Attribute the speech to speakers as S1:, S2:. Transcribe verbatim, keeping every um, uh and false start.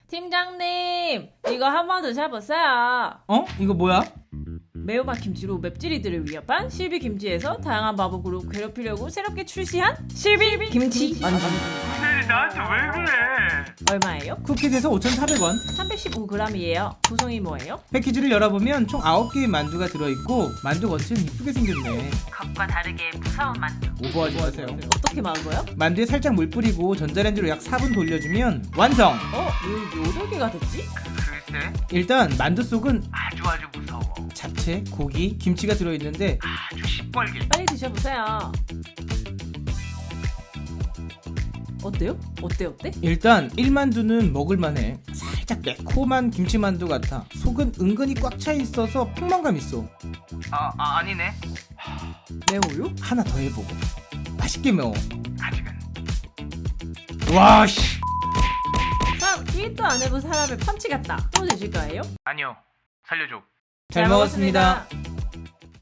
S1: 팀장님, 이거 한번 드셔보세요.
S2: 어? 이거 뭐야?
S1: 매운맛 김치로 맵찔이들을 위협한 실비 김치에서 다양한 마법으로 괴롭히려고 새롭게 출시한 실비 김치 만두.
S3: 무슨 나한테 왜 그래?
S1: 얼마예요?
S2: 쿠키에서 오천사백 원.
S1: 삼백십오 그램이에요. 구성이 뭐예요?
S2: 패키지를 열어보면 총 아홉 개의 만두가 들어있고 만두 겉은 이쁘게 생겼네.
S4: 겉과 다르게 무서운 만두.
S2: 오버하지 마세요.
S1: 어떻게 막어요?
S2: 만두에 살짝 물 뿌리고 전자레인지로 약 사 분 돌려주면 완성!
S1: 어? 왜 여덟 개가 됐지?
S3: 글쎄,
S2: 일단 만두 속은
S3: 아주 아주 무서워.
S2: 잡채, 고기, 김치가 들어있는데
S3: 아주 시뻘게.
S1: 빨리 드셔보세요. 어때요? 어때 어때?
S2: 일단 일 만두는 먹을만해. 살짝 매콤한 김치만두 같아. 속은 은근히 꽉 차 있어서 풍만감 있어.
S3: 아, 아 아니네.
S1: 매워요?
S2: 하나 더 해보고. 맛있게 매워.
S3: 아직은.
S2: 와 씨.
S1: 참, 기획도 안 해본 사람의 펀치 같다. 또 드실 거예요?
S3: 아니요. 살려줘.
S2: 잘 먹었습니다.